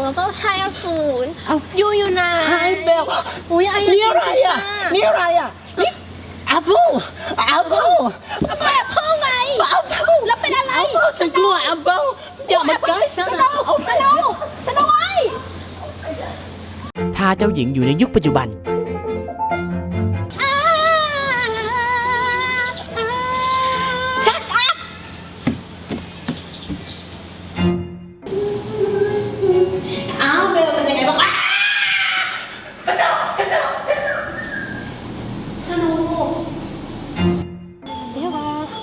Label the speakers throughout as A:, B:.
A: เราต้องใช้อสูรอยู่ไหน
B: ไฮเบล
A: อุ้ย
B: นี่อะไรอ่ะนี่อะไรอ่ะนี่แอปเปิ้ลแอปเปิ้ล
A: แอบเข้าไง
B: แอปเปิ้ล
A: แล้วเป็นอะไร
B: ฉันกลัวแอปเปิ้ลอย่ามาใกล้ฉัน
A: สโนไว้
C: ถ้าเจ้าหญิงอยู่ในยุคปัจจุบัน
A: ชัดอัพ
B: อ้าวเบลเป็นยังไงบ้างกระจอก
A: สโนเดี๋ยว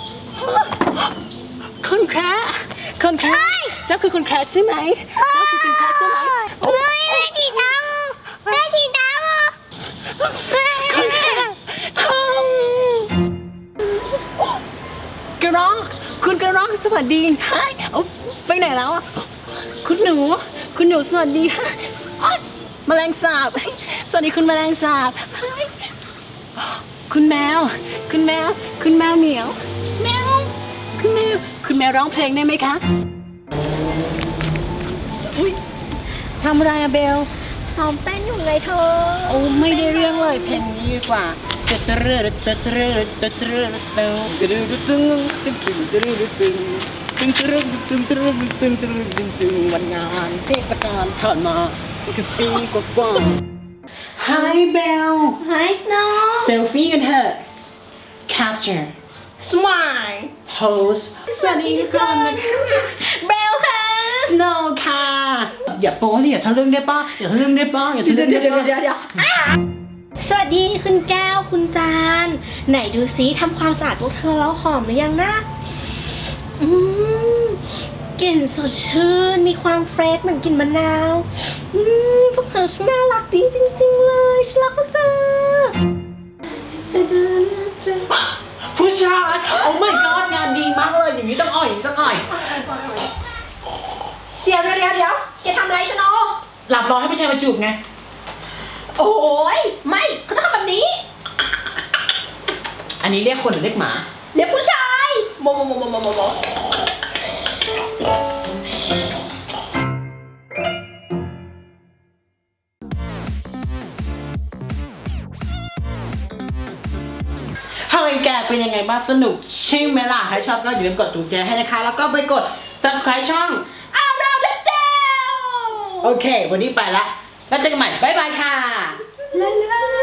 B: คุณแคร์เจ้าคือคุณแคร์ใช่ไหมเจ้าคือคุณแคร์ใช่ไหม
A: เฮ้ยแม่ดีดำ
B: คุณแคร์กระรอกคุณกระรอกสวัสดีฮะไปไหนแล้วอ่ะคุณหนูสวัสดีค่ะแมลงสาบสวัสดีคุณแมลงสาบคุณแมวเหมียวคุณแมวร้องเพลงได้ไหมคะอุ๊ยทำอะไรอะเบล
A: ซ้อมเต้นอยู่ไงเธอ
B: โอ้ไม่ได้เรื่องเลยเพลงนี้ดีกว่าวันงานเทศกาลผ่านมาคือปีกว่า Hi Bell
A: Hi Snow
B: เซลฟี่กันเถอะ Capture
A: Smile
B: Pose สวัสดีทุกคนนะคะ
A: เบลค่ะ
B: Snow ค่ะอย่าโป๊สิอย่าทะลึ่งได้ป่ะอย่าทะลึ่งได้ป่ะอย่าทะลึ่งได้ป่ะ
A: เดี๋ยวสวัสดีคุณแก้วคุณจานไหนดูซิทำความสะอาดพวกเธอแล้วหอมหรือยังนะกลิ่นสดชื่นมีความเฟรชเหมือนกลิ่นมะนาวพวกเธอช่างน่ารักดีจริงๆเลยฉันรักพวกเธอ
B: ผู้ชายโอ้ my god งานดีมากเลยอย่างนี้ต้องอ่อยเ
A: ดี๋ยวแกทำอะไรสโน
B: หลับรอให้ผู้ชายมาจูบไง
A: โอ้ยไม่เขาต้องทำแบบนี้
B: อันนี้เรียกคนหรือเรียกหมา
A: เดี๋ยวผู้ชายโม
B: เฮ้ยแกเป็นยังไงบ้างสนุกใช่ไหมล่ะถ้าชอบก็อย่าลืมกดถูกใจให้นะคะแล้วก็ไปกด subscribe ช่อง
A: อ้าวเราเด็ดเดว
B: โอเควันนี้ไปละแล้วเจอกันใหม่บ๊ายบายค่ะ
A: เลย